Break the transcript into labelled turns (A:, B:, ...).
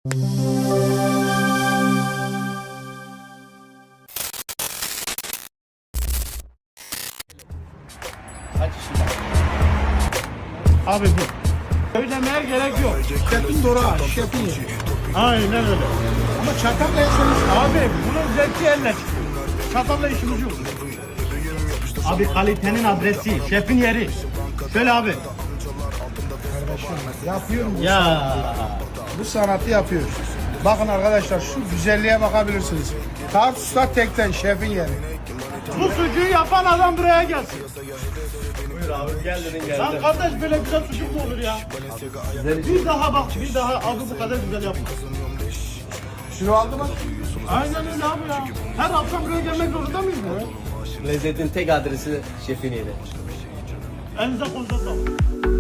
A: Kaç kişi var?
B: Abi bu. Söylemeye gerek yok.
C: Şefin Dora, şefin yeri.
B: Aynen öyle.
C: Ama çatakla yeseniz
B: Abi bunun zevki eline çıkıyor. Çatalla işimiz yok. Abi kalitenin adresi, şefin yeri. Şöyle abi.
C: yapıyorum.
B: Ya.
C: Bu sanatı yapıyoruz. Bakın arkadaşlar şu güzelliğe bakabilirsiniz. Tarsus'ta tekten şefin yeri.
B: Bu sucuğu yapan adam buraya gelsin.
A: Buyur abi gel dedin
B: Lan
A: geldim.
B: kardeş böyle güzel sucuk mu olur ya? Bir daha bak, bir daha abi bu kadar güzel yapma.
C: Kilo aldı mı?
B: Aynen öyle abi ya. Her akşam buraya gelmek zorunda mıyız ya?
A: Lezzetin tek adresi şefin yeri.
B: Elinize kolunuza sağlık.